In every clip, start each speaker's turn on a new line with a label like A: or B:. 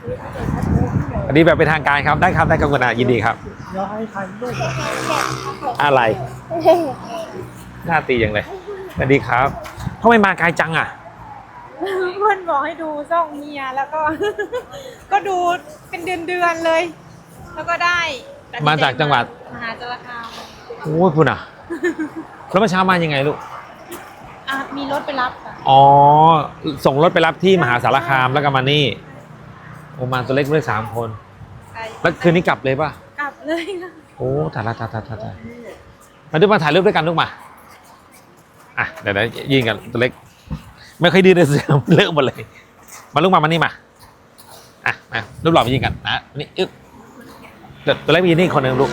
A: อันนี้แบบเป็นทางการครับได้ครับได้ครับคุณอายินดีครับ
B: เดี๋ยวให้ถ่ายรูป
A: อะไรหน้าตีอย่างเลยสวัสดีครับทำไมมาไกลจังอ่ะ
C: เพื่อนบอกให้ดูซ่องเมียแล้วก็ ก็ดูเป็นเดือนเลย แล้วก็ได้
A: มาจากจังหวัด
C: มหาสารคาม
A: โอ้ยคุณอ่ะแล้วเมื่อเช้ามายังไงลูก
C: มีรถไปรับค่ะ
A: อ๋อส่งรถไปรับที่มหาสารคามแล้วก็มานี่โอมาตัวเล็กด้วย3 คน
C: ไกล
A: แล้วคืนนี้กลับเลยป่ะ
C: กลับเลยค่ะ
A: โอ้ถ่ายมาดูมาถ่ายรูปด้วยกันลูกมาอ่ะเดี๋ยวยิงกันตัวเล็กไม่ค่อยดีเลยเสือเลอะหมดเลยมาลูกมานี่มาอ่ะมารูปหล่อมายิงกันนะนี่อึ๊บเดี๋ยวตัวเล็กมายิงนี่คนหนึ่งลูก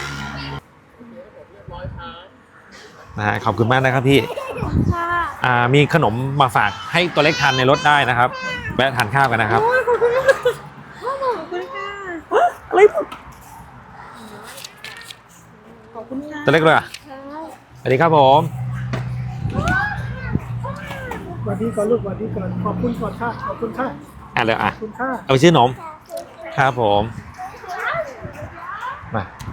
A: ขอบคุณมากนะครับพี่
C: ค่ะ
A: มีขนมมาฝากให้ตัวเล็กทานในรถได้นะครับแวะทานข้าวกันนะครับ
C: โอ้ยขอบคุณมากขอบคุณค่ะ
A: อะไร
C: ขอบคุณค่ะ
A: ตัวเล็กเลยอ่ะสวัสดีครับผม
B: สวัสดีก่อนลูกสวัสดีก่อนขอบคุณก่อนค่ะขอบคุณค่ะ
A: เลยอ่ะ
B: ขอบคุณค่ะ
A: เอาไปซื้อนมครับผมมา